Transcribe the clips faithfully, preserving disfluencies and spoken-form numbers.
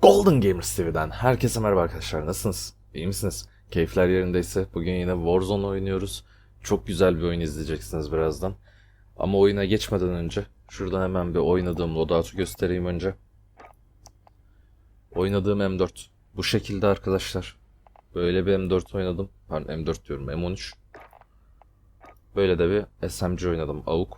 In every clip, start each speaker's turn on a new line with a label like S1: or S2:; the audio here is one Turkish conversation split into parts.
S1: Golden Gamers T V'den herkese merhaba arkadaşlar, nasılsınız? İyi misiniz? Keyifler yerindeyse bugün yine Warzone oynuyoruz. Çok güzel bir oyun izleyeceksiniz birazdan. Ama oyuna geçmeden önce şuradan hemen bir oynadığım loadout'u göstereyim önce. Oynadığım M dört bu şekilde arkadaşlar. Böyle bir M dört oynadım. Pardon, M dört diyorum, M on üç. Böyle de bir S M G oynadım, A U K.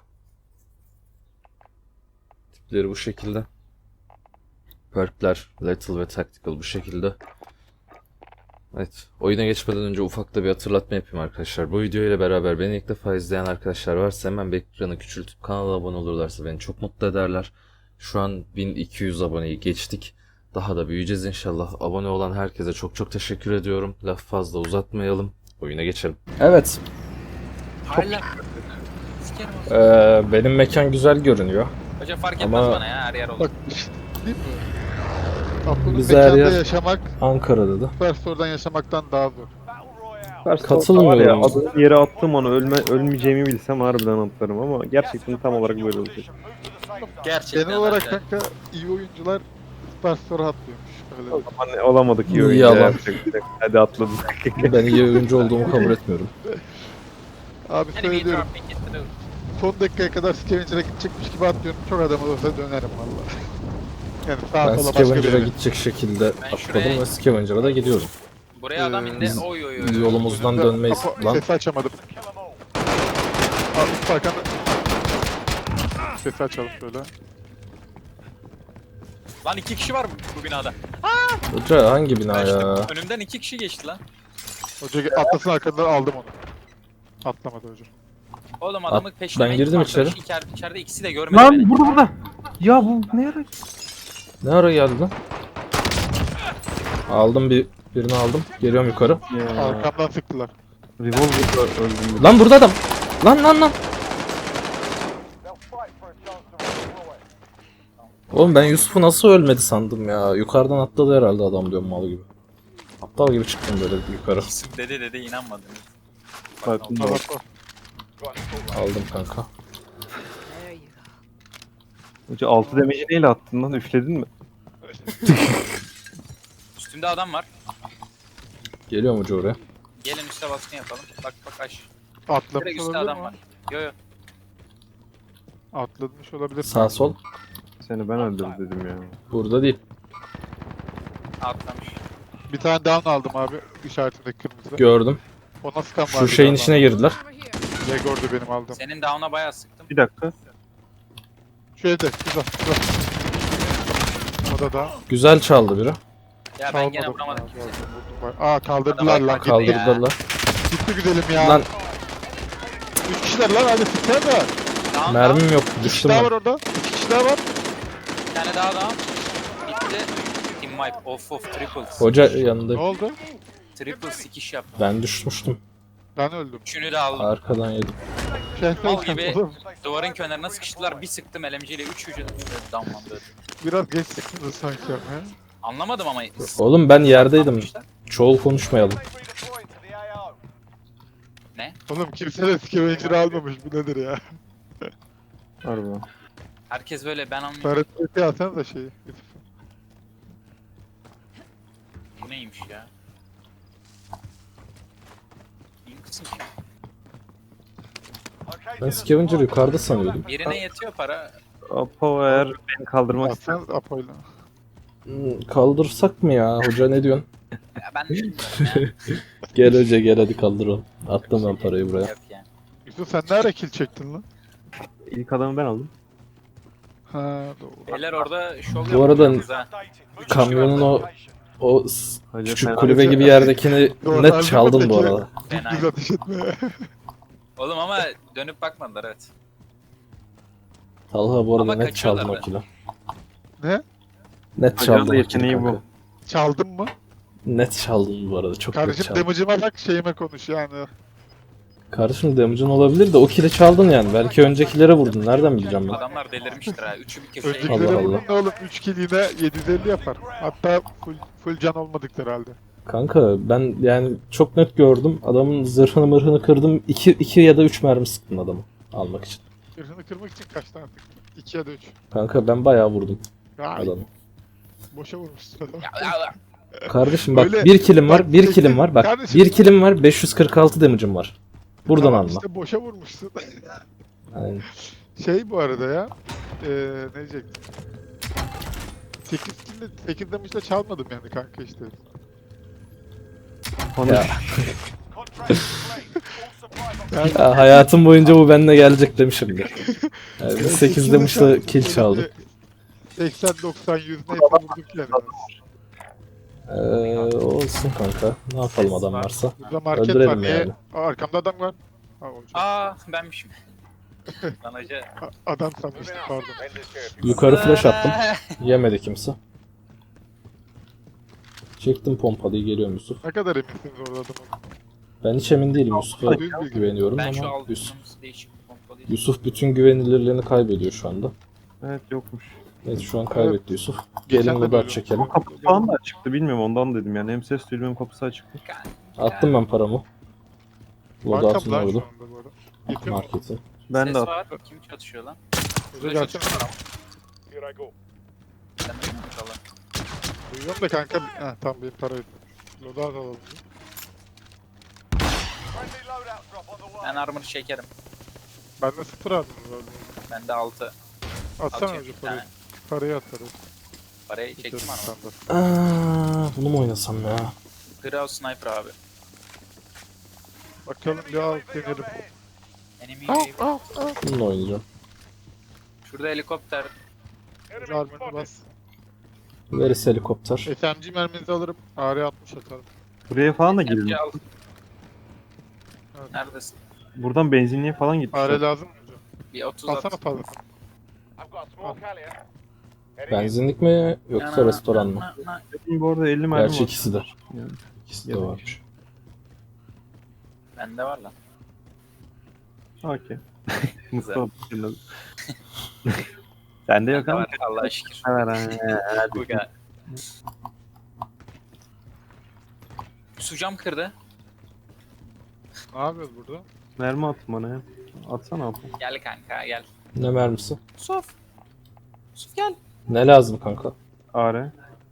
S1: Tipleri bu şekilde. Perkler, Lethal ve Tactical bu şekilde. Evet, oyuna geçmeden önce ufak da bir hatırlatma yapayım arkadaşlar. Bu video ile beraber beni ilk defa izleyen arkadaşlar varsa hemen bir ekranı küçültüp kanala abone olurlarsa beni çok mutlu ederler. Şu an bin iki yüz aboneyi geçtik. Daha da büyüyeceğiz inşallah. Abone olan herkese çok çok teşekkür ediyorum. Laf fazla uzatmayalım. Oyuna geçelim. Evet.
S2: Hala.
S1: Ee, benim mekan güzel görünüyor.
S2: Hocam fark etmez
S1: Ama-
S2: bana ya, her yer olur.
S3: Bak işte değil mi? Aklının
S1: Biz her
S3: mekanda
S1: yer-
S3: yaşamak,
S1: Ankara'da da.
S3: Superstore'dan yaşamaktan daha zor.
S1: Katılmıyorum.
S4: Var ya, adı yere attım onu, ölme, ölmeyeceğimi bilsem harbiden atlarım ama gerçekten tam olarak böyle olacak.
S2: Gerçekten.
S3: Genel olarak
S2: hocam.
S3: kanka iyi oyuncular Superstore'a atlıyormuş. Öyle
S4: O
S3: diyeyim.
S4: zaman olamadık iyi oyuncu.
S1: Yalan.
S4: yapacak bir şey yok. Hadi atladık.
S1: Ben iyi oyuncu olduğumu kabul etmiyorum.
S3: Abi
S2: Hani bir
S3: söylüyorum,
S2: trafik getirir.
S3: son dakikaya kadar Scavenger'a gidecekmiş gibi atlıyorum. Çok adam olursa dönerim valla. Yani sağa
S1: Ben
S3: sola başka bir
S1: Scavenger'a
S3: yere.
S1: gidecek şekilde
S2: Ben
S1: atladım
S2: şuraya-
S1: ve Scavenger'a da gidiyorum.
S2: Buraya adam indi.
S3: Biz-
S2: Oy oy oy.
S1: Yolumuzdan
S3: Önümde-
S1: dönmeyiz
S3: Ama
S1: lan.
S3: Sesi açamadım. Abi üst arkanda. Sesi açalım şöyle.
S2: Lan iki kişi var mı bu binada?
S1: Hoca hangi bina
S2: Ben
S1: ya?
S2: işte önümden iki kişi geçti lan.
S3: Hoca atlasın arkadan aldım onu. Atlamadı hocam.
S2: Oğlum adamı
S1: At-
S2: peşlemeye
S1: ben girdim
S2: gittim
S1: içeri.
S2: arkadaş. İçeride, içeride ikisi de görmedi beni.
S4: Lan burada burada. Ya bu ne ara?
S1: Ne ara geldi lan? Aldım bir birini aldım. Geliyorum yukarı.
S4: Ya.
S3: Arkamdan sıktılar.
S4: Revolver'da öldüm.
S1: Lan burada adam. Lan lan lan. Oğlum ben Yusuf'u nasıl ölmedi sandım ya. Yukarıdan atladı herhalde adam diyorum, mal gibi. Aptal gibi çıktım böyle yukarı.
S2: Yusuf dedi dedi inanmadınız.
S4: Bak,
S3: Bak bak bak.
S1: Aldım kanka.
S4: Hoca altı demeci neyle attın lan? Üfledin mi?
S2: Üstümde adam var.
S1: Geliyorum hoca oraya.
S2: Gelin üste baskın yapalım. Bak bak aş.
S3: Atlamış
S2: Direkt üstte
S3: olabilir
S2: adam
S3: mi?
S2: var. Yo yo.
S3: Atlamış olabilir.
S1: Sağ sol.
S4: Seni ben öldürdüm dedim ya.
S1: Burada değil.
S2: Atlamış.
S3: Bir tane down aldım abi işaretindeki kırmızı.
S1: Gördüm.
S3: Ona sıkan var.
S1: Şu şeyin içine girdiler.
S3: Jegor'du benim aldığım.
S2: Senin down'a bayağı sıktım.
S4: Bir dakika.
S3: Şu evde. Güzel. Güzel. O da da.
S1: Güzel çaldı biri.
S2: Ya ben gene
S3: Çalmadım
S2: vuramadım
S3: ya,
S2: kimseyi.
S3: vurdum, vurdum. Aa kaldırdılar
S2: Adam
S3: lan.
S2: kaldı.
S3: Gitti.
S1: Kaldırdılar.
S3: Gitti güzelim ya.
S1: Lan
S3: Üç kişiler lan hadi sıksana da.
S2: Down, down.
S1: mermim yok.
S3: İki kişi
S1: Düştüm
S3: daha
S1: ben.
S3: var orada. İki kişi daha var.
S2: Bir tane daha down. Bitti. Team wipe. Of of triples.
S1: Hoca
S3: Ne
S1: yanında.
S3: oldu?
S2: Triple sikiş yap.
S1: Ben düşmüştüm.
S3: Ben öldüm.
S2: Üçünü de aldım.
S1: Arkadan yedim.
S3: Şehre
S2: Mal gibi duvarın kenarına sıkıştılar. Bir sıktım L M G ile üç vücudu damlandı.
S3: Biraz geç sıktınız sanki ama.
S2: Anlamadım ama.
S1: Oğlum ben yerdeydim.
S2: Yapmışlar.
S1: Çoğul konuşmayalım.
S2: Ne?
S3: Oğlum kimse de Scavenger almamış. Bu nedir ya?
S4: Harbiden.
S2: Herkes böyle ben anlıyorum.
S3: Taret alsanız da şeyi.
S2: Bu neymiş ya? İyi kısım ki.
S1: Ben Scavenger yukarıda sanıyordum.
S2: Birine yetiyor para.
S4: Apo eğer beni kaldırmak ister.
S3: Alsanız Apo'yla.
S1: Hmm, Kaldırsak mı ya? Hoca ne diyorsun?
S2: Ya ben bilmiyorum ya.
S1: Gel hoca gel, hadi kaldıralım. Attım ben parayı buraya.
S2: Yok yani.
S3: Yusuf sen ne ara kill çektin lan?
S4: İlk adamı ben aldım.
S3: Ha doğru.
S2: Beyler orada şov
S1: Bu arada
S2: yapıyorsunuz ha.
S1: Kamyonun o o s-
S4: Hoca
S1: küçük
S4: fena-
S1: kulübe gibi yerdekini
S3: Doğru,
S1: net
S3: harbi
S1: çaldın bu
S3: peki.
S1: arada.
S2: Fena.
S3: Düz ateş etme.
S2: Oğlum ama dönüp bakmadılar evet.
S1: Talha bu arada
S2: Ama
S1: net çaldın
S2: kaçıyorlar
S1: o kilo.
S3: Ne?
S1: Net
S4: Hoca'nın
S1: çaldın
S4: da
S1: o
S4: yeteneği
S1: kilo
S4: bu.
S1: kanka.
S3: Çaldın mı?
S1: Net çaldın bu arada, çok net
S3: Kardeşim
S1: çaldın.
S3: damage'ıma bak şeyime konuş yani.
S1: Kardeşim damage'ın olabilir de o kili çaldın yani. Belki öncekilere vurdun. Nereden bileceğim ben?
S2: Adamlar delirmiştir ha. Üçü bir köşeye.
S3: Öncekileri
S1: Allah
S3: vurdun
S1: Allah.
S3: ne oğlum üç kill yine yedi yüz elli yapar. Hatta full, full can olmadık herhalde.
S1: Kanka ben yani çok net gördüm. Adamın zırhını mırhını kırdım. iki iki ya da üç mermi sıktım adamı almak için.
S3: Zırhını kırmak için kaç tane tıktın? iki ya da üç.
S1: Kanka ben bayağı vurdum
S3: Ya
S1: adamı.
S3: Boşa vurmuşsun adamı.
S2: Ya, ya, ya.
S1: Kardeşim bak
S3: Öyle-
S1: bir kilim var,
S3: bak,
S1: bir
S3: tek-
S1: kilim var. Bak
S3: Kardeşim-
S1: bir kilim var, beş yüz kırk altı damage'ım var. Buradan
S3: Tamam
S1: alma.
S3: işte boşa vurmuşsun.
S1: Yani,
S3: Şey bu arada ya. Eee ne diyecektim? sekiz kill'de sekiz damage'da çalmadım yani kanka işte.
S4: Onu
S1: ya,
S3: Yani
S1: ya hayatım boyunca bu benimle gelecek demişimdir. Yani biz sekiz damage'la kill çaldık.
S3: seksen doksan yüz neyse vurduk yani.
S1: Ee, olsun kanka. Ne yapalım adam varsa.
S3: Burada market
S1: Öldürelim
S3: var. Niye?
S1: yani.
S3: Aa, arkamda adam var. Ha, olacak.
S2: Aa benmişim. Lan hoca.
S3: A- adam sanmıştım pardon.
S1: Yukarı flash attım. Yemedi kimse. Çektim pompalıyı, geliyorum Yusuf.
S3: Ne kadar eminsiniz orada adamın?
S1: Ben hiç emin değilim, Yusuf'a
S3: Düz bilgi.
S1: güveniyorum
S2: Ben şu
S1: ama
S2: aldım.
S1: Yusuf,
S2: Değişik bir pompalıydı.
S1: Yusuf bütün güvenilirliğini kaybediyor şu anda.
S4: evet yokmuş.
S1: Evet şu an kaybetti Yusuf.
S3: Geçen
S1: Gelin
S3: de
S1: loadout
S3: duydum.
S1: çekelim.
S4: Kapı falan da açıktı bilmiyorum ondan dedim yani. Hem ses duydum hem kapısı açıktı.
S1: Attım ben paramı. Loadout'un
S3: Arkam lan şu
S1: orada.
S3: anda bu arada. Yetiyor mu?
S1: Marketi.
S4: Ben
S2: Ses
S4: de
S2: var. Kim çatışıyor lan?
S3: Hoca gelsene.
S2: Sen de mi inşallah?
S3: Duyuyorum da kanka. Ha tamam benim para yetiyor. Loadout alalım.
S2: Ben armor çekerim.
S3: Ben de sıfır aldım.
S2: Bende altı.
S3: Atsana
S2: Atıyorum
S3: hoca
S2: bir
S3: parayı.
S2: tane.
S3: Parayı atarız.
S2: Parayı çektim armor.
S1: Aa, bunu mu oynasam ya?
S2: Grau sniper abi.
S3: Bakalım bir al denerim.
S2: Enemy
S3: Al
S2: wave.
S3: al al.
S1: Bununla oynayacağım.
S2: Şurada helikopter.
S3: Hoca armorunu bas.
S1: Veris helikopter.
S3: S M G merminizi alırım. A R altmış atarım.
S4: buraya falan da girilmiş.
S2: Al.
S3: Evet.
S2: Neredesin?
S4: Buradan benzinliğe falan
S3: A R
S4: gitmişler.
S3: lazım mı hocam?
S2: Bir otuz at.
S3: Alsana fazla.
S1: Benzinlik mi yoksa
S2: Yana,
S1: restoran mı?
S2: na, na.
S4: Benim bu arada elli mermi
S1: Gerçi
S4: var.
S1: ikisi de.
S4: Yani.
S1: İkisi de
S4: Yedek.
S1: varmış.
S2: Bende var lan.
S4: Okey. Mustafa. Sende yok
S2: Bende
S4: ama.
S2: var Allah'a şükür.
S4: Evet, ha.
S2: Bu kadar. Su cam kırdı.
S3: Ne yapıyoruz burada?
S4: Mermi attım bana ya. Atsana abi.
S2: Gel kanka gel.
S1: Ne mermisi?
S2: Suf. Suf gel.
S1: Ne lazım kanka?
S4: A R.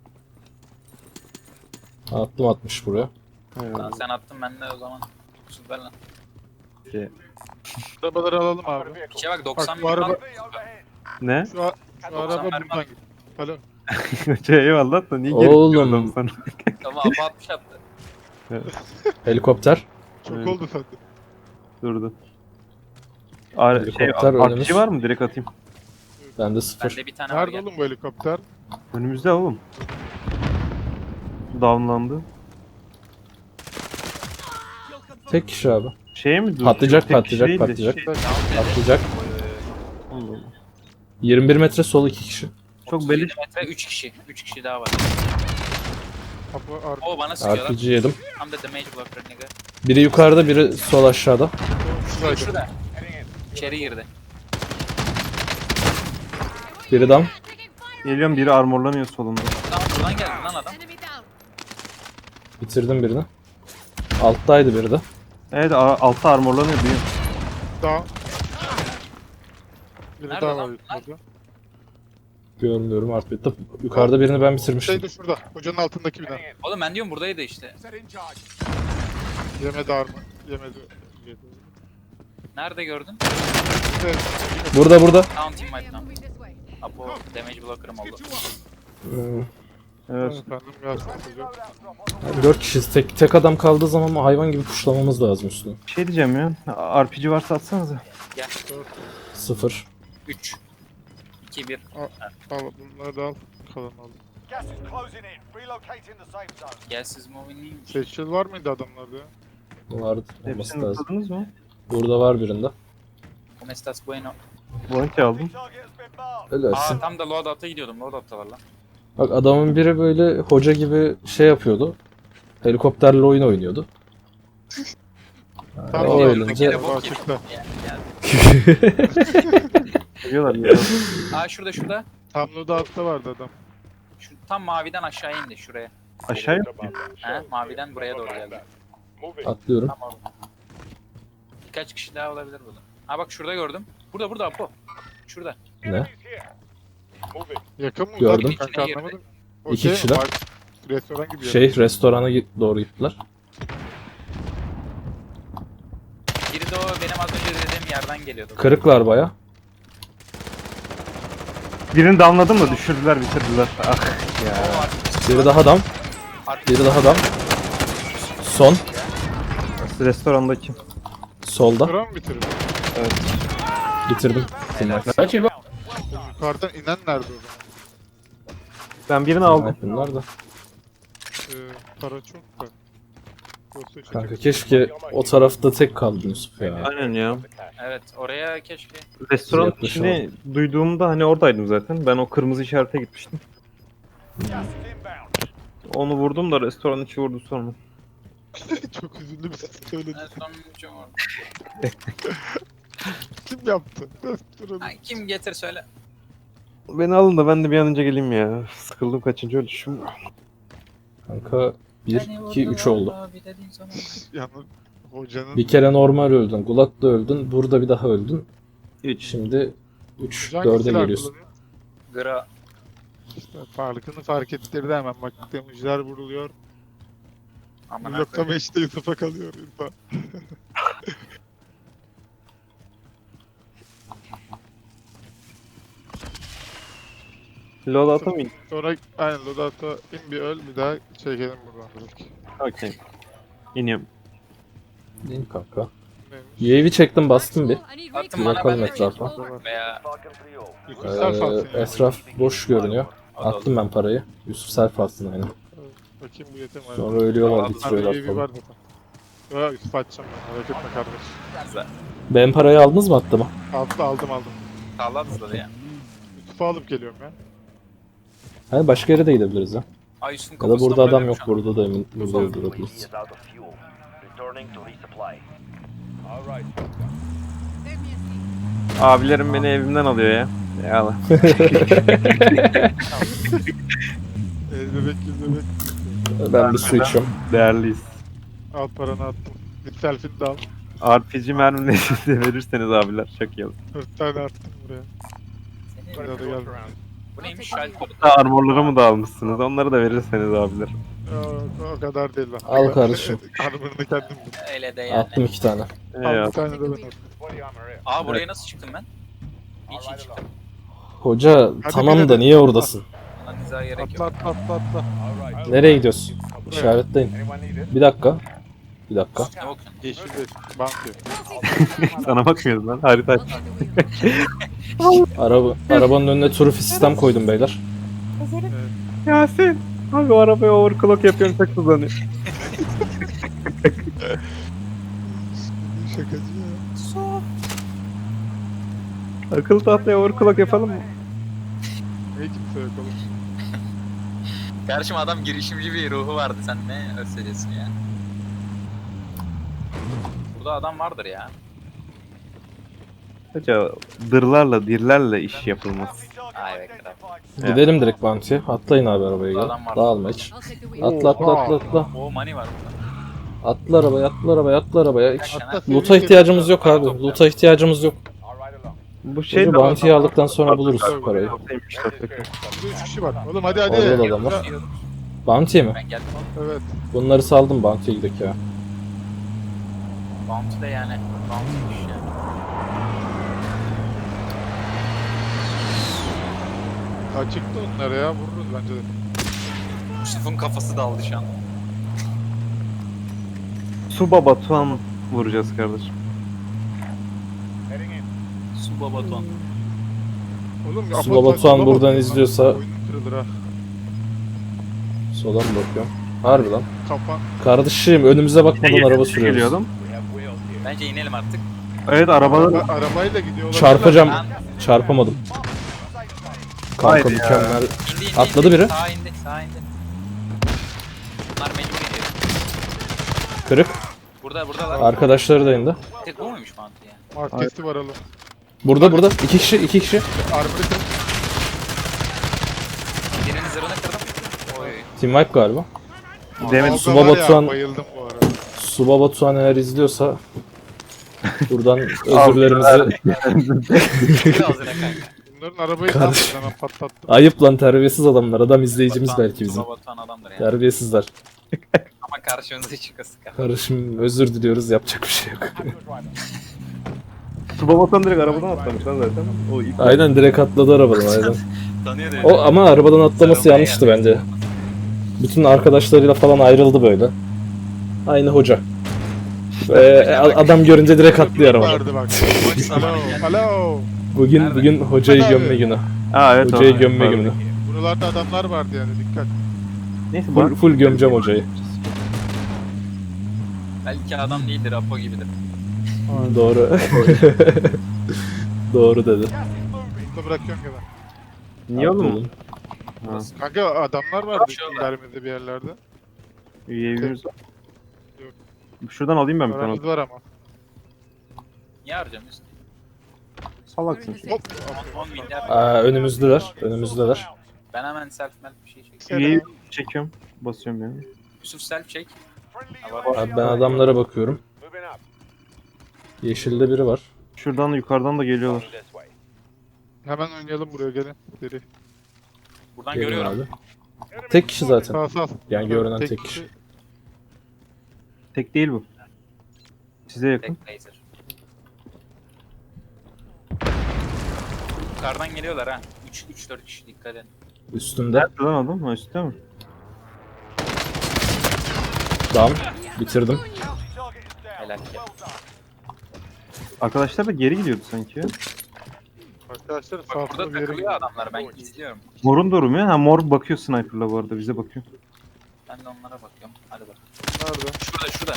S1: Attım atmış buraya.
S4: Evet.
S2: Lan sen attın ben de o zaman. Süper lan.
S4: Şey.
S3: Arabaları alalım abi.
S2: İçe bak doksan
S3: Bak bu araba,
S4: Ne?
S3: şu, a- şu
S2: doksan
S3: araba
S2: mermi
S3: buradan
S2: var.
S3: gidiyor. Alo.
S4: Şey, eyvallah da niye geri
S1: Oğlum.
S4: gidiyorsun sana?
S2: Tamam abi altmış attı.
S1: Helikopter.
S3: Çok
S4: Evet.
S3: oldu sende.
S4: Durdu. A R, şey,
S1: Helikopter
S4: R P G
S1: önümüz.
S4: var mı? Direkt atayım.
S1: Bende sıfır.
S2: Bende bir tane var
S3: Nerede
S2: gel.
S3: oğlum bu helikopter?
S4: Önümüzde oğlum. Downlandı.
S1: Tek kişi abi.
S4: Şeye mi durdu?
S1: Patlayacak,
S4: Tek kişi
S1: patlayacak,
S4: değil de
S1: patlayacak.
S4: şey-
S1: Atlayacak.
S4: Allah Allah.
S1: yirmi bir metre sol iki kişi.
S4: Çok
S2: otuz
S4: beleş.
S2: yedi metre üç kişi. üç kişi daha var.
S3: Kapı ar-
S2: O bana sıkıyor
S1: R
S2: lan.
S1: P G yedim.
S2: Tam da damage blocker nigga.
S1: Biri yukarıda, biri sol aşağıda.
S2: Şurada şurada. İçeri girdi.
S1: Biri dam.
S4: Geliyorum, biri armorlanıyor solunda.
S2: Tamam buradan geldi lan adam.
S5: Enemy down.
S1: Bitirdim birini. Alttaydı biri de.
S4: Evet, a- altta armorlanıyor duyuyorum.
S3: Daha. Biri
S2: Nerede
S3: daha
S2: lan
S3: var
S2: bunlar?
S3: yukarıda.
S1: Görmüyorum artık. Yukarıda birini ben bitirmiştim.
S3: Şey de şurada. Hocanın altındaki bina.
S2: Oğlum ben diyorum buradaydı işte.
S3: Yemedi armı. Yemedi. Yedi.
S2: Nerede gördün?
S3: Evet.
S1: Burada burada.
S2: Down team
S5: I
S2: wipe
S5: am
S2: down.
S5: moving this way.
S2: Apo damage blocker'ım oldu.
S1: Hmm,
S4: Evet.
S3: Efendim gelsin hocam.
S1: Dört kişiyiz. Tek, tek adam kaldığı zaman hayvan gibi puşlamamız lazım üstüne.
S4: Bir şey diyeceğim ya. R P G varsa atsanıza.
S2: Gel.
S1: Sıfır.
S2: üç. iki bir.
S3: Al bunları da al. Kalan al.
S6: Gas is closing in. Relocating the safe zone.
S2: Gel siz moving iyiymiş.
S3: Seçil var mıydı adamlarda ya?
S1: Vardı. Olması
S4: Hepsini
S1: lazım.
S4: tutadınız mı?
S1: Burada var birinde.
S2: Como estas bueno?
S4: Bounty aldım.
S6: Target has been marked.
S1: Ölersin.
S2: Aa tam da loadout'a gidiyordum. Loadout'ta var lan.
S1: Bak adamın biri böyle hoca gibi şey yapıyordu. Helikopterle oyun oynuyordu.
S3: Tamam,
S1: o
S3: gel,
S1: ölünce
S2: gel.
S3: Bak açıkta.
S2: Gel gel.
S4: Geliyorlar ya.
S2: Aa şurada şurada.
S3: Tam loadout'ta vardı adam.
S2: Şu, tam maviden aşağı indi şuraya.
S4: Aşağıya mı?
S2: He maviden buraya doğru geldi.
S1: atlıyorum.
S2: Tamam. Birkaç kişi daha olabilir burada. Ha bak şurada gördüm. Burada burada Apo. Şurada.
S1: Ne?
S3: Yakın mı
S1: Gördüm.
S3: uzak mı kanka
S2: İçine girdi.
S3: anlamadım. O
S1: İki
S3: şey mi?
S1: kişiler.
S3: Bar- Restoran gibi.
S1: Şey restorana gi- doğru gittiler.
S2: Biri de o benim az önce dediğim yerden geliyordu.
S1: Kırıklar baya.
S4: Birini de anladım da düşürdüler bitirdiler. Ah ya.
S1: Biri daha dam. Biri daha dam. Son.
S4: Restorandaki.
S1: Solda.
S3: Restoran mı bitirdin?
S1: Bitirdim.
S3: Yukarıdan inen nerede o zaman?
S4: Ben birini aldım.
S1: Bunlar da.
S3: Ee, para çok da. Dosya çekip-
S1: Kanka keşke o tarafta tek kaldın Yusuf ya.
S4: Aynen ya.
S2: Evet oraya keşke.
S4: Restoran
S1: Yaklaşalım.
S4: içini duyduğumda hani oradaydım zaten. Ben o kırmızı işarete gitmiştim.
S6: Gas is inbound.
S4: Onu vurdum da restoran içi vurdu sonra.
S3: Çok üzüldü bir ses söyledi.
S2: En son bir var.
S3: Kim yaptı? Restoranı.
S2: Ha, kim getir söyle.
S4: Beni alın da ben de bir an önce geleyim ya. Sıkıldım kaçıncı ölüşüm.
S1: Kanka bir, iki, üç oldu.
S3: Yalnız hocanın
S1: Bir kere normal öldün. Gulat'ta öldün. Burada bir daha öldün.
S4: üç.
S1: Şimdi üç,
S3: hoca hangi
S1: dörde
S3: silah
S1: geliyorsun.
S3: kullanıyor?
S2: Gra.
S3: İşte farkını fark ettirdi hemen. Bak demucular vuruluyor.
S2: Aman
S3: Bloklama işte Yusuf'a kalıyor Yusuf'a.
S4: Lol atamayın.
S3: Sonra aynen Lodato in bir öl bir daha çekelim buradan direkt.
S4: Okey. İniyorum.
S1: Değil mi kanka?
S3: Neymiş?
S1: U A V çektim bastım bir.
S2: Attım
S1: Bir
S2: bana
S1: bakalım
S2: ben de
S1: etrafa.
S2: veya
S3: Yusuf self atsın
S1: Ee,
S3: ya.
S1: etraf boş görünüyor.
S2: o da olur.
S1: Attım ben parayı. Yusuf self atsın aynen.
S3: Bakayım bu yeter mi?
S1: Sonra ölüyorlar
S2: Tamam,
S3: Abi
S1: bitiriyorlar
S3: U A V
S1: falan.
S3: var zaten. Ya Yusuf atacağım ben merak etme kardeş.
S2: Güzel.
S1: Ben parayı aldınız mı attı mı?
S3: Aldım aldım aldım.
S2: Sağlam hızladı ya.
S3: Yusuf'u alıp geliyorum ya.
S1: Hani başka yere de gidebiliriz ya.
S2: Ay Yusuf'un
S1: Ya da
S2: kafasına
S1: burada adam
S2: vuruyorum
S1: yok.
S2: şu an.
S1: Burada da emin burada durabiliriz.
S6: is out of fuel. Returning to resupply. All right.
S4: Abilerim beni evimden alıyor ya. Eyvallah.
S3: El bebek yüz bebek.
S1: Ben bir su içiyorum.
S4: Değerliyiz.
S3: Al paranı attım. Bir selfie de al.
S4: R P G mermileri de verirseniz abiler çok iyi olur.
S3: Dört tane attım buraya.
S2: Seni-
S3: Buraya da gel.
S2: Bu neymiş? Shelter.
S4: Ha, armorları mı da almışsınız? Onları da verirseniz abiler.
S3: O, o kadar değil lan.
S1: Al kardeşim.
S3: Armor'ını kendim buldum.
S2: Öyle de yani.
S1: Attım iki tane.
S3: Al
S4: Eyvallah.
S3: bir tane de ben attım.
S2: Aa buraya nasıl çıktım ben? Hiç iyi çıktım.
S1: Hoca
S3: Hadi
S1: tamam
S3: bir
S1: da
S3: de-
S1: niye oradasın?
S2: Bana dizaha gerek
S3: Atla
S2: yok.
S3: atla atla atla.
S1: Nereye gidiyorsun? İşaretleyin. Bir dakika. Bir dakika.
S2: Ne bakıyorsun?
S3: Yeşil bir bank yok.
S4: Sana bakmıyoruz lan. Harita aç.
S1: Araba, arabanın önüne turfi sistem koydum beyler.
S4: Yasin. Abi o arabaya overclock yapıyorum çok hızlanıyor.
S3: Şakacı ya.
S4: Akıllı tahtaya overclock yapalım mı?
S3: Niye kimse yok oğlum?
S2: Kardeşim adam girişimci bir ruhu vardı. Sen ne öyle söylüyorsun ya? Burada adam vardır ya.
S4: Hoca dırlarla dirlerle iş yapılmaz.
S2: Ay be kral.
S4: Evet.
S1: Gidelim direkt Bounty'ye. Atlayın abi arabaya gel.
S2: Adam var.
S1: Dağılma hiç. Atla atla atla atla.
S2: O money var burada.
S1: Atla arabaya atla arabaya atla arabaya. Hiç
S3: Atla,
S1: loot'a
S3: sevgili
S1: ihtiyacımız yok
S2: Para
S1: abi.
S2: topla.
S1: Loot'a ihtiyacımız yok.
S4: Bu şey
S1: Hoca
S4: de
S1: Bounty'yi aldıktan sonra buluruz parayı.
S3: Burada üç kişi var. Oğlum hadi hadi.
S1: Orada da adam var. Bounty mi?
S2: Ben geldim.
S3: Evet.
S1: Bunları saldım Bounty'ye gidelim ya.
S2: Bounty de yani. Bounty'miş yani.
S3: Açıktı onlar ya. Vururuz bence de.
S2: Yusuf'un kafası daldı şu an.
S4: Suba Batuhan vuracağız kardeşim.
S2: Su babaton.
S3: Oğlum
S1: Su
S3: Apo-
S1: Batuhan
S3: Apo-
S1: buradan izliyorsa-
S3: Oyunun kırılır ha.
S1: Sola mı bakıyorum? Harbi lan.
S3: Kapan.
S1: Kardeşim önümüze bakmadan araba sürüyoruz.
S4: Geliyordum.
S2: Bence inelim artık.
S4: Evet arabalar
S3: Araba, arabayla gidiyor olabilirler.
S1: Çarpacağım.
S2: Ben
S1: Çarpamadım. Kanka
S4: Haydi ya.
S1: mükemmel.
S2: indi indi.
S1: Atladı
S2: indi.
S1: biri.
S2: Sağa indi. Sağa indi. Bunlar mecbur iniyor.
S1: Kırık.
S2: Burada buradalar.
S1: Arkadaşları da indi.
S2: Tek bu muymuş Bounty ya?
S3: Markesi var alın.
S1: Burada burada. iki kişi iki kişi.
S3: Armor'ı kır.
S2: Birinin zırhını kırdım. Oy.
S1: Team wipe galiba.
S4: demin
S3: Alga
S1: Suba
S3: var ya,
S1: Batuhan-
S3: Bayıldım bu arada.
S1: Suba Batuhan eğer izliyorsa buradan özürlerimizi
S2: Bir ağzına kanka.
S3: Onların arabayı
S1: Kardeşim.
S3: tam hemen patlattım.
S1: Ayıp lan, terbiyesiz adamlar. Adam izleyicimiz
S2: Batuhan-
S1: belki bizim.
S2: Tula Batuhan adamdır yani.
S1: Terbiyesizler.
S2: Ama karşımıza çıkası kar.
S1: Kardeşim özür diliyoruz, yapacak bir şey yok.
S4: Subabatan direkt arabadan atlamış lan zaten. O ilk
S1: Aynen, direkt atladı arabadan aynen.
S2: Tanıyor da.
S1: O ama arabadan atlaması
S2: Sarılmaya
S1: yanlıştı
S2: geldi.
S1: bence. Bütün arkadaşlarıyla falan ayrıldı böyle. Aynı hoca. Ee, a- adam görünce direkt atlıyor arabadan.
S3: Vardı bak.
S2: Boş
S3: Alo,
S2: zamanı geldi.
S3: alo.
S1: Bugün
S2: Nerede?
S1: bugün hocayı
S3: Hadi abi.
S1: gömme günü.
S4: Aa evet.
S1: Hocayı
S4: o-
S1: gömme
S4: pardon.
S1: günü.
S3: Buralarda adamlar vardı yani, dikkat.
S4: Neyse
S1: Full,
S4: bu
S1: full gömeceğim hocayı.
S2: Belki adam değildir, Apo gibidir.
S1: Doğru. Doğru dedi.
S3: Burada bırakıyorum ya ben.
S4: niye oğlum? Ha,
S3: Kanka adamlar vardı
S2: Kaçıyorlar.
S3: ilerimizde bir yerlerde.
S4: U A V'miz var.
S3: Yok.
S4: Şuradan alayım ben bir tane.
S3: Paramız var ama.
S2: Niye harcamıyorsun?
S4: Salaksın şimdi.
S3: Hop.
S2: on milyar.
S1: Aa, önümüzdeler. Önümüzdeler.
S2: Ben hemen self melf bir şey çekeyim.
S4: U A V çekiyorum. Basıyorum yani.
S2: Yusuf self çek. Ha, var.
S1: Abi ben adamlara bakıyorum. Yeşilde biri var.
S4: Şuradan da yukarıdan da geliyorlar.
S3: Hemen oynayalım buraya, gelin. Deri.
S2: Buradan
S1: Gelin
S2: görüyorum.
S1: abi. Tek kişi zaten.
S3: Sağ sağ.
S1: Yani görünen tek kişi.
S4: Tek değil bu. Size yakın.
S2: Tek laser. Yukarıdan geliyorlar ha. üç üç dört kişi, dikkat edin.
S1: Üstünde.
S4: Nerede lan adam? Ha üstte mi?
S1: Down. Bitirdim.
S2: Helal ki.
S4: Arkadaşlar da geri gidiyordu sanki ya.
S3: Arkadaşlar
S2: Bak
S3: sağ
S2: burada
S3: sola bir yere
S2: takılıyor
S3: gidiyor.
S2: adamlar, ben izliyorum.
S4: Morun doğru mu ya? Ha mor bakıyor sniper'la bu arada bize bakıyor.
S2: Ben de onlara bakıyorum. Hadi bak.
S3: Nerede?
S2: Şurada şurada.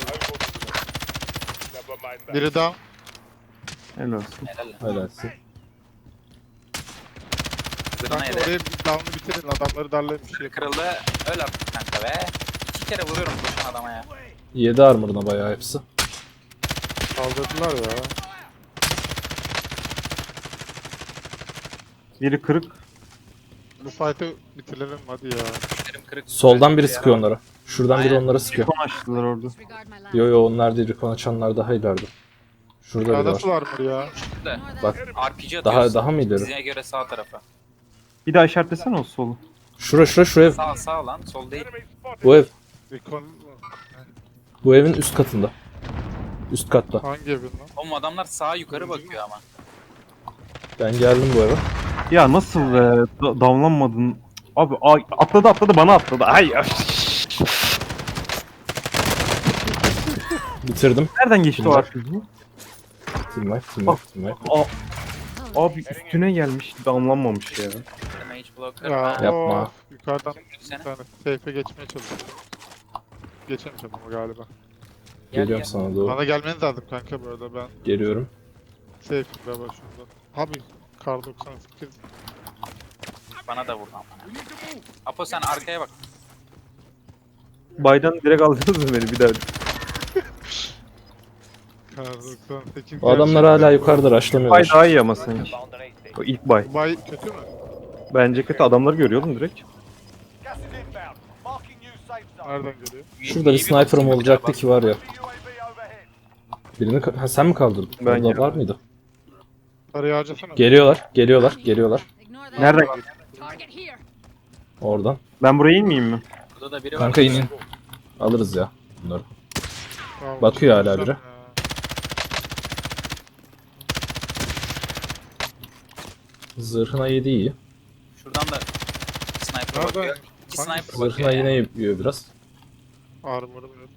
S3: Biri down.
S4: Helal olsun.
S2: Helal.
S1: Helalsin.
S2: Zırhına
S3: Kanka
S2: yedi.
S3: oraya bir down'u bitirin. Adamları darlayın bir şey.
S2: Kırıldı. Öl artık kanka be. İki kere vuruyorum koşan adama ya.
S1: Yedi armor'ına bayağı hepsi.
S3: Kaldırdılar ya.
S4: Biri kırık.
S3: Bu fight'ı bitirelim hadi ya.
S2: Elim kırık.
S1: Soldan biri sıkıyor onlara. Şuradan biri
S2: Aynen.
S1: onlara sıkıyor.
S4: Kon açtılar orada.
S1: Yo yo, onlar değil. Recon açanlar daha ileride. Şurada
S3: Ya
S1: biri var.
S3: nasıl armor ya?
S2: Şurada.
S1: Bak
S2: R P G
S1: daha
S2: atıyoruz.
S1: daha mı ileri?
S2: Bize göre sağ tarafa.
S4: Bir daha işaretlesene o solu.
S1: Şura şura şu ev.
S2: Sağ sağ lan, sol değil.
S1: Bu ev.
S3: Recon
S1: Bu evin üst katında. Üst katta.
S3: hangi evin lan?
S2: Oğlum adamlar sağa yukarı bakıyor ama.
S1: Ben geldim bu eve.
S4: Ya nasıl be? Da- damlanmadın. Abi ay, atladı atladı bana atladı. Ay ay.
S1: Bitirdim.
S4: Nereden geçti o
S1: Güzel.
S4: R P G?
S1: Team wipe, team wipe, team wipe.
S4: Aa, abi üstüne gelmiş damlanmamış ya.
S2: Damage blocker.
S3: Ya
S2: Ha,
S1: Yapma.
S3: of, yukarıdan bir
S2: Seni.
S3: tane safe'e geçmeye çalışıyorum. Geçemeyeceğim ama galiba.
S2: Gel,
S1: Geliyorum
S2: gel.
S1: sana doğru.
S3: Bana gelmeniz lazım kanka bu arada, ben
S1: Geliyorum.
S3: safe'im galiba şurada. Abi kar doksan sekiz.
S2: Bana da vurdu ama. Apo sen arkaya bak.
S4: Baydan direkt aldınız mı beni bir daha?
S3: Kar doksan sekiz.
S1: O adamlar hala yukarıda
S4: Bay
S1: raşlamıyorlar.
S4: daha iyi ama sanki.
S6: Found an A station.
S4: O ilk bay.
S3: Bay kötü mü?
S4: Bence kötü adamları görüyordum direkt.
S6: Gas is inbound. Marking new safe zone.
S3: Nereden geliyor?
S1: Şurada bir
S2: İyi
S1: sniper'ım
S2: basayım,
S1: olacaktı
S2: bir
S1: ki var ya.
S6: U A V overhead.
S1: Birini ka- ha, sen mi kaldırdın?
S4: Ben
S1: Orada
S4: geldim.
S1: var mıydı?
S3: Parayı harcasana.
S1: Geliyorlar, geliyorlar, geliyorlar.
S4: Nereden?
S5: Target here.
S1: Oradan.
S4: Ben buraya inmeyeyim mi?
S2: daha. Burada da biri var.
S1: Kanka inin. Alırız ya bunları.
S3: Tamam,
S1: Bakıyor hala
S3: çıkarsam
S1: biri.
S3: ya.
S1: Zırhına yedi iyi.
S2: Şuradan da sniper
S3: Nerede?
S2: bakıyor. İki
S3: Hangi
S2: sniper bakıyor.
S1: Zırhına
S2: yani.
S1: yine yiyor biraz.
S3: Armor'ım yok.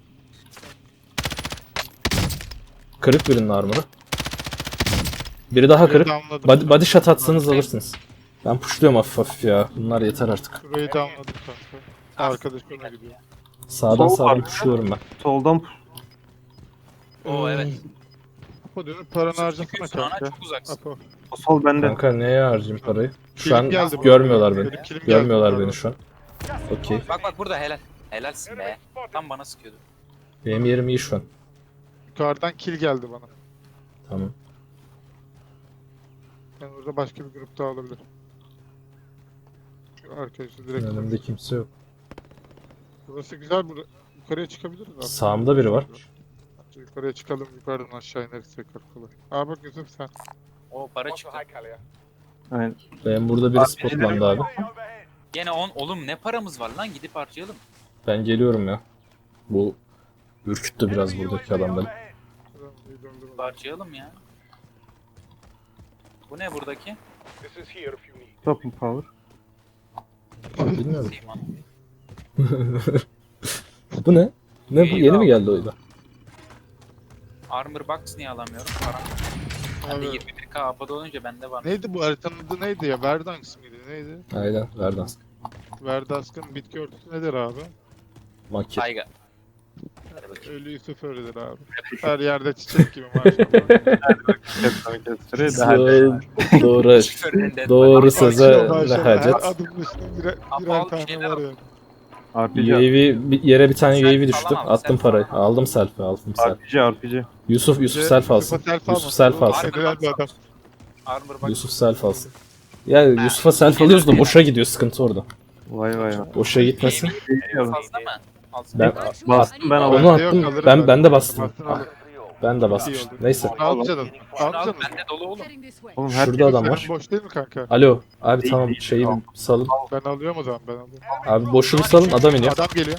S1: Kırık birinin armor'ı. Biri daha
S3: Burayı
S1: kırık.
S3: downladım.
S1: Body, body shot atsanız alırsınız. Ben pushluyorum hafif hafif ya. Bunlar yeter artık.
S3: Burayı downladım kanka. Arkadaş ona gidiyor.
S1: Sağdan
S4: Sol
S1: sağdan
S4: var.
S1: pushluyorum ben.
S4: Soldan
S2: Oo evet.
S3: Apo dönüp paranı harcasana
S2: Çıkıyorsun ana,
S3: kanka.
S2: çok uzaksın.
S3: Apo.
S4: o sol bende.
S1: Kanka neye harcayayım parayı? Şu
S3: Kilim
S1: an
S3: geldi bu
S1: görmüyorlar
S3: arada.
S1: beni.
S3: Benim kilim geldi
S1: Görmüyorlar
S3: bu
S1: beni
S3: arada.
S1: şu an. Okey.
S2: Bak bak burada helal. Helalsin be. Tam bana sıkıyordu.
S1: Benim yerim iyi şu an.
S3: Yukarıdan kill geldi bana.
S1: Tamam.
S3: Ben orada başka bir grup daha olabilir. Şu arkadaşı direkt.
S1: Önümde kimse yok.
S3: Burası güzel. Bura... Yukarıya çıkabiliriz aslında.
S1: Sağımda biri var.
S3: Yukarıya çıkalım. Yukarıdan aşağı ineriz tekrar kolay. Aa bak Yusuf sen.
S2: O para çıktı.
S4: Aynen.
S5: Ben burada biri spotlandı abi.
S2: Gene on. Oğlum ne paramız var lan, gidip harcayalım.
S5: Ben geliyorum ya. Bu ürküttü biraz buradaki adam beni.
S2: Harcayalım ya. Bu ne buradaki?
S4: Top power.
S5: Bilmiyorum.
S2: Seyman.
S5: Bu ne? Ne bu? Yeni mi geldi oyuna?
S2: Armor box niye alamıyorum? Param. Bende
S3: Abi,
S2: yirmi bir K apada olunca bende var.
S3: neydi bu haritanın adı neydi ya? Verdansk mıydı? Neydi?
S5: Aynen. Verdans.
S3: Verdansk'ın bitki örtüsü nedir abi?
S5: Maki.
S2: Tayga.
S3: Ölü Yusuf öyledir abi. Her yerde çiçek gibi maşallah.
S5: Doğru. Doğru söze
S3: Maşallah,
S5: ne
S3: her
S5: hacet.
S3: adım başına birer,
S2: Abi,
S3: birer
S2: al bir
S3: tane
S2: şeyler
S3: var
S2: al.
S3: ya.
S4: R P G.
S5: U A V bir yere bir tane U A V
S2: Selfie
S5: düştü.
S2: alamam,
S5: Attım
S2: selfie
S5: parayı.
S2: alamam.
S5: Aldım selfie, aldım selfie.
S4: R P G R P G.
S5: Yusuf Yusuf
S3: Bir de
S5: selfie alsın.
S3: Yusuf'a selfie
S5: Yusuf
S3: almasın.
S5: selfie
S3: O
S5: alsın.
S3: federal bir adam.
S2: Armor box.
S5: Yusuf selfie alsın. Ya Yusuf'a selfie alıyoruz da boşa gidiyor, sıkıntı orada.
S4: Vay vay vay.
S5: Boşa gitmesin.
S2: Fazla mı? Alsın.
S5: Ben
S4: Bastım ben
S5: onu
S4: aldım.
S5: attım.
S3: alırım
S5: Ben
S3: ben.
S5: ben de bastım.
S3: Bastın alırım.
S5: Ben de bastım.
S3: İyi oldu.
S5: Neyse.
S3: Al canım.
S2: Şunu
S3: Al
S2: al,
S3: canım.
S2: bende dolu oğlum.
S4: Oğlum her
S5: Şurada adam var.
S3: Senin boş değil mi kanka?
S5: Alo. Abi
S4: Değil,
S5: tamam
S4: değil.
S5: şeyi
S4: Tamam.
S5: salın.
S3: Ben alıyorum o zaman ben alıyorum.
S5: Abi boşu bir salın, adam iniyor.
S3: Adam geliyor.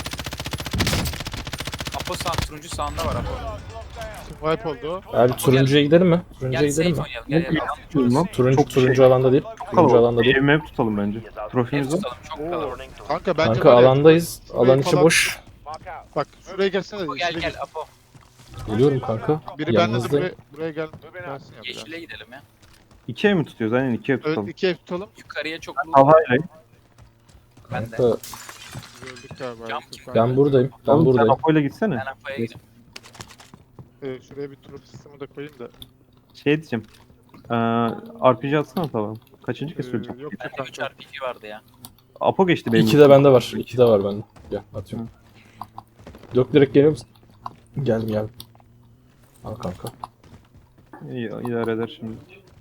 S2: Apo sağ, turuncu sağında var Apo.
S3: Wipe oldu o.
S5: Abi turuncuya gidelim mi? Turuncuya
S2: Gel
S5: gidelim
S2: safe
S5: mi?
S2: oynayalım. Gel gel.
S4: Tutalım lan.
S5: Turuncu
S4: Çok
S5: turuncu
S4: şey.
S5: alanda değil. Turuncu alanda
S4: Kalabalık.
S5: değil.
S4: Evime tutalım bence.
S2: Ev
S4: Trofimiz var.
S2: tutalım, çok kalabalık.
S3: Kanka bence
S5: Kanka
S3: var ya,
S5: alandayız. Alan
S3: şurayı
S5: içi
S3: falan-
S5: boş.
S3: Bak şuraya gelsene.
S2: Apo gel
S3: şuraya
S2: gel Apo.
S5: Geliyorum kanka.
S3: Biri bende de
S5: Yanınızdayım.
S3: buraya, buraya gel. Gelsin ya biraz.
S2: Yeşile gidelim ya.
S4: İki ev mi tutuyoruz? Aynen iki ev
S3: Evet,
S4: tutalım.
S3: iki ev tutalım.
S2: Yukarıya çok loot.
S4: Havayla.
S2: Ben de.
S5: Kanka
S3: Gördük galiba.
S2: Cam
S3: Yusuf
S2: kim?
S3: kanka.
S5: ben buradayım. Ben
S4: Oğlum sen
S5: buradayım.
S4: Apo'yla gitsene.
S2: Ben Apo'ya gidiyorum.
S3: Ee, şuraya bir tur sistemi de koyayım da.
S4: Şey diyeceğim. Ee, R P G atsana tamam. Kaçıncı kez
S3: Ee,
S4: söyleyeceğim.
S3: yok
S2: Bende üç
S3: kanka.
S2: R P G vardı ya.
S4: Apo geçti benim.
S5: İki de bende var. İki de var bende. Gel atıyorum. Yok direkt geliyor musun? Geldim geldim. Al kanka.
S4: İyi idare eder şimdi.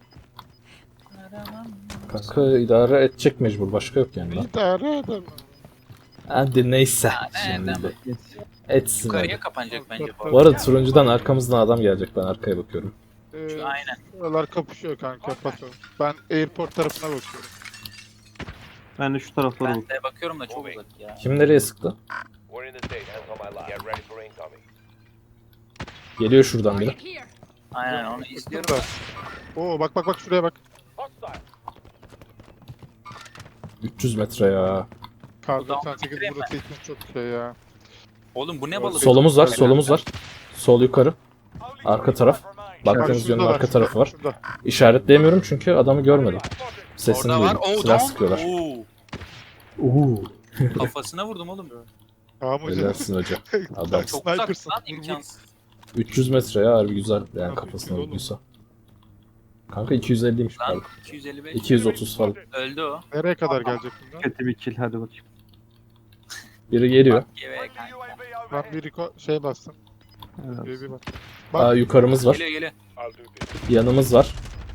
S5: Kanka idare edecek mecbur. Başka yok yani lan.
S3: Bir tane adam.
S5: Hadi neyse.
S2: Ha, ne
S5: Şimdi
S2: adam?
S5: de. Etsin
S2: Yukarıya
S5: hadi.
S2: kapanacak bence bu
S5: Bu
S2: arada.
S5: arada turuncudan arkamızdan adam gelecek. Ben arkaya bakıyorum.
S3: Ee,
S2: Şu- aynen.
S3: Şuralar kapışıyor kanka. Paso. Ben airport tarafına bakıyorum.
S4: Ben de şu taraflara
S2: Ben
S4: bak.
S2: de bakıyorum da çok uzak ya.
S5: Kim nereye sıktı?
S6: We're in the state. Hands on my lap. Get ready for incoming.
S5: Geliyor şuradan biri.
S2: Aynen onu izliyorum.
S3: Burada. Oo bak bak bak şuraya bak.
S5: üç yüz metre ya.
S3: Kar
S2: Buradan
S3: doksan sekiz
S2: bitireyim
S3: burası için çok şey ya.
S2: Oğlum bu ne balık?
S5: Solumuz var, solumuz var. Sol yukarı. Arka taraf.
S3: Bak
S5: Baktığınız
S3: şurada
S5: yönün
S3: var,
S5: arka
S3: şurada,
S5: tarafı var.
S3: Şurada.
S5: İşaretleyemiyorum çünkü adamı görmedim. Sesini
S2: Orada var.
S5: duydum.
S2: Oo
S5: Silah
S2: tamam.
S5: sıkıyorlar.
S2: Oo.
S5: Uuu.
S2: Kafasına vurdum oğlum.
S3: Tamam hocam.
S5: Helalsin hoca. Adam.
S2: Çok
S3: Sniper'sın.
S2: uzak lan,
S3: Vur, vur.
S2: imkansız.
S5: üç yüz metre ya harbi güzel. Yani
S3: Nasıl
S5: kafasına
S3: oğlum?
S5: vurduysa. Kanka iki yüz elliymiş
S2: Lan
S5: pardon.
S2: iki yüz elli beş.
S5: iki yüz otuz falan.
S2: Öldü o.
S3: Nereye kadar gelecek bundan?
S4: Kötü bir kill hadi bakayım.
S5: Biri geliyor.
S2: Geve kanka.
S3: Ben bir riko şey bastım.
S4: Evet.
S3: Bir, bir bak.
S5: Aa yukarımız var.
S2: Geliyor geliyor.
S5: Yanımız var.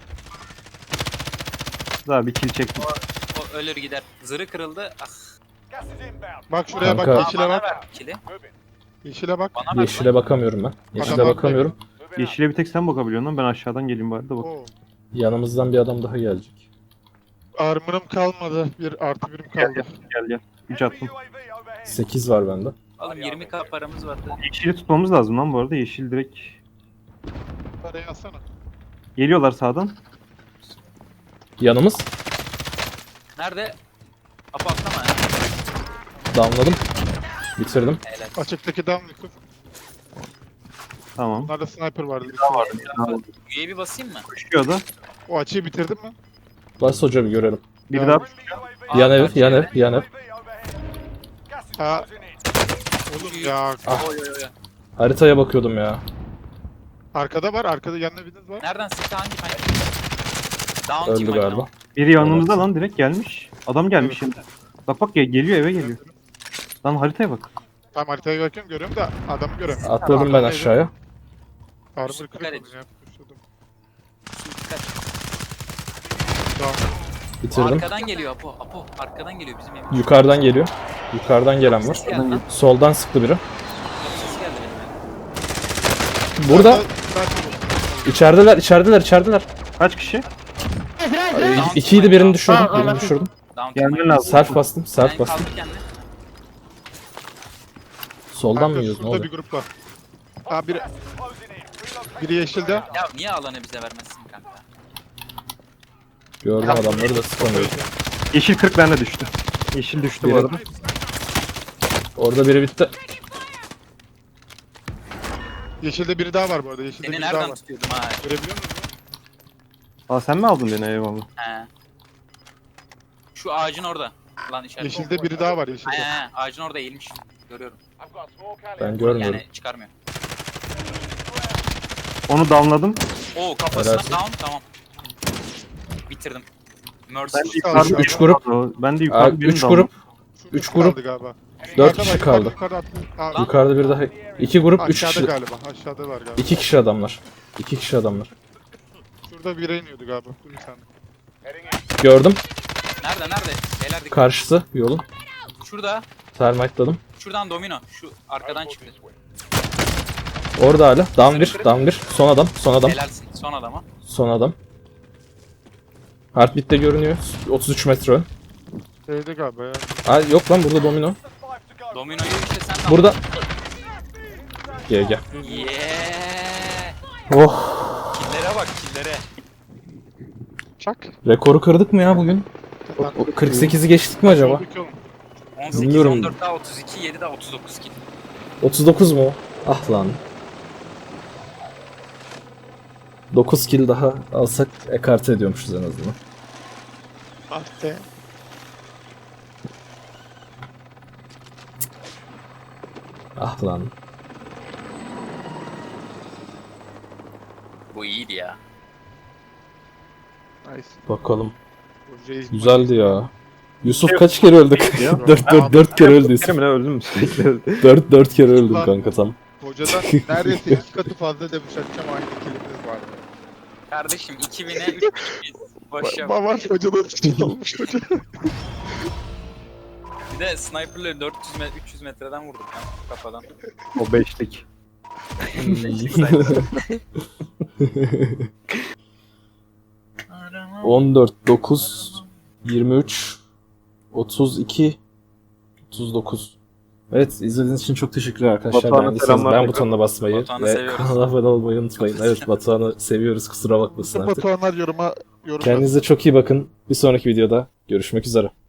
S4: Daha bir kill çektim.
S2: O ölür gider. Zırı kırıldı. Ah.
S3: Bak şuraya
S5: Kanka.
S3: bak. Yeşile
S2: Bana
S3: bak.
S2: ver kili.
S3: Yeşile bak.
S2: Bana ver.
S5: Yeşile bakamıyorum ben. Yeşile
S3: Adamlar
S5: bakamıyorum.
S4: Yeşile bir tek sen bakabiliyorsun lan. Ben aşağıdan geleyim bari de bak.
S3: Oo.
S5: Yanımızdan bir adam daha gelecek.
S3: Armor'ım kalmadı. Bir artı birim
S4: Gel
S3: kaldı.
S4: gel gel gel. üç attım.
S5: sekiz var bende.
S2: Oğlum yirmi K paramız vardı.
S4: Yeşili tutmamız lazım lan bu arada. Yeşil direkt
S3: Parayı alsana.
S4: geliyorlar sağdan.
S5: Yanımız.
S2: Nerede? Apo atlama ya.
S5: Damladım. Bitirdim.
S2: Helal.
S3: Açıktaki down Yusuf.
S4: Tamam.
S3: Bunlarda sniper vardı.
S2: U A V basayım mı?
S4: Koşuyor da.
S3: O açıyı bitirdin mi?
S5: Bas hoca bir görelim.
S4: Biri
S3: Ya.
S4: daha
S2: Aa,
S5: Yan ev,
S2: karşı
S5: yan
S2: ev.
S5: ev, yan ev.
S3: Ha. Oğlum ya.
S5: Ah.
S2: Oy oy oy.
S5: Haritaya bakıyordum ya.
S3: Arkada var. Arkada yanına biriniz var.
S2: Nereden sıktı hangi hangi? Down
S5: Öldü
S2: team
S5: galiba.
S2: oyunu.
S4: biri yanımızda lan direkt gelmiş. Adam gelmiş şimdi. Bak bak ge- geliyor eve geliyor. Lan haritaya bak.
S3: Tamam haritaya bakıyorum görüyorum da adamı göremiyorum.
S5: Atladım ben
S3: Arkadaydı.
S5: aşağıya.
S3: Armor
S2: Dikkat
S3: kırık
S2: et.
S3: onun ya. Kuşladım.
S2: Dikkat.
S3: Down.
S5: Bitirdim.
S2: Arkadan geliyor Apo. Apo arkadan geliyor bizim evimiz.
S5: Yukarıdan geliyor. Yukarıdan gelen var.
S2: Ses geldi lan.
S5: Soldan sıktı biri.
S2: Yok, sesi geldi benim.
S5: Burada.
S3: Sniper-
S5: İçerideler, içerideler, içerideler.
S4: Kaç kişi?
S2: Down
S5: İkiydi
S2: team
S5: birini
S2: var.
S5: düşürdüm.
S3: Aa, aa,
S5: Birini
S3: aa.
S5: düşürdüm.
S2: Down team
S4: Gelmen
S2: var.
S4: lazım.
S5: Self bastım. Self
S2: Sen
S5: bastım.
S2: kaldır kendini.
S5: Soldan
S3: Kanka
S5: mı yiyoruz? Ne
S3: şurada
S5: oluyor?
S3: bir grup var. Aa biri, biri yeşilde.
S2: Ya niye alanı bize vermezsin kanka?
S5: Gördüm adamları da sıkamıyorum.
S4: Yeşil kırk bende düştü. Yeşil düştü bu
S5: Biri-
S4: arada.
S5: Orada biri bitti.
S3: Yeşilde biri daha var bu arada. Yeşilde
S2: Seni
S3: biri daha
S2: nereden
S3: var.
S2: tutuyordum ha?
S3: Görebiliyor musun?
S4: Aa sen mi aldın beni eyvallah.
S2: He. Şu ağacın orada. Lan işaret.
S3: Yeşilde biri daha var yeşilde.
S2: He he ağacın orada eğilmiş. Görüyorum.
S5: Ben görmüyorum.
S2: Yani çıkarmıyor.
S4: Onu damladım.
S2: Oo kafasına
S5: Helalsin.
S2: down tamam. Bitirdim. Mercy.
S4: Ben de
S3: Sağ
S4: yukarıda
S3: ol.
S5: Üç grup.
S4: Ben de
S5: Aa,
S4: yukarıda birini
S5: üç
S4: damladım.
S5: grup.
S3: Şurada
S5: üç grup.
S3: kaldı galiba.
S5: Dört
S3: Yukarıda
S5: kişi
S3: var,
S5: kaldı.
S3: Yukarıda, yukarıda attı. Aa,
S5: Yukarıda bir daha. İki grup, üç
S3: aşağıda
S5: kişi.
S3: galiba. Aşağıda var galiba.
S5: İki kişi adamlar. İki kişi adamlar.
S3: Şurada biri iniyordu galiba. Dur bir saniye.
S5: Gördüm.
S2: Nerede nerede? Beyler dikkat.
S5: Karşısı yolun.
S2: Şurada.
S5: Termite'ladım.
S2: Şuradan domino. Şu arkadan çıktı.
S5: Orada hala. Down bir. Down bir. Son adam. Son adam.
S2: Helalsin. Son adama.
S5: Son adam. Heartbeat'te görünüyor. otuz üç metre ön.
S3: Şeyde galiba ya.
S5: Aa, yok lan burada domino.
S2: Domino'yu işte sen de
S5: Burada. Gel gel.
S2: al. Yeah.
S5: Oh.
S2: Killere bak killere.
S3: Çak.
S5: Rekoru kırdık mı ya bugün? O- o kırk sekizi geçtik mi acaba?
S3: Olduk oğlum.
S2: on sekiz,
S5: Bilmiyorum.
S2: on dört daha otuz iki, yedi daha otuz dokuz kill.
S5: otuz dokuz mu? Ah lan. dokuz kill daha alsak ekarte ediyormuşuz en azından.
S3: Ah be.
S5: Ah lan.
S2: Bu iyiydi ya.
S3: Nice.
S5: Bakalım.
S3: Bu Reis
S5: Güzeldi ya. Yusuf kaç kere öldük?
S4: Ya.
S5: dört dört dört kere öldü Yusuf.
S4: Kerim ne öldüm sürekli öldü.
S5: dört dört kere öldüm
S3: Ulan.
S5: kanka tam.
S3: Hocadan neredeyse iki katı fazla demiş açacağım aynı kilimiz var.
S2: Kardeşim iki bine üç biz. Boş yap.
S3: Baba hocadan olmuş hoca.
S2: Bir de sniper'la dört yüz metre, üç yüz metreden vurduk ya kafadan.
S4: O beşlik.
S5: on dört, dokuz, yirmi üç, otuz iki, otuz dokuz. Evet, izlediğiniz için çok teşekkürler arkadaşlar.
S4: Batuhan'a
S5: Beğendiyseniz
S4: selamlar
S5: beğen
S4: tekrar.
S5: butonuna basmayı
S2: Batuhan'ı
S5: ve
S2: seviyoruz.
S5: kanala abone olmayı unutmayın. Evet, Batuhan'ı seviyoruz, kusura bakmasın
S3: Bütün
S5: artık.
S3: Batuhanlar yoruma yorum
S5: Kendinize çok iyi bakın. Bir sonraki videoda görüşmek üzere.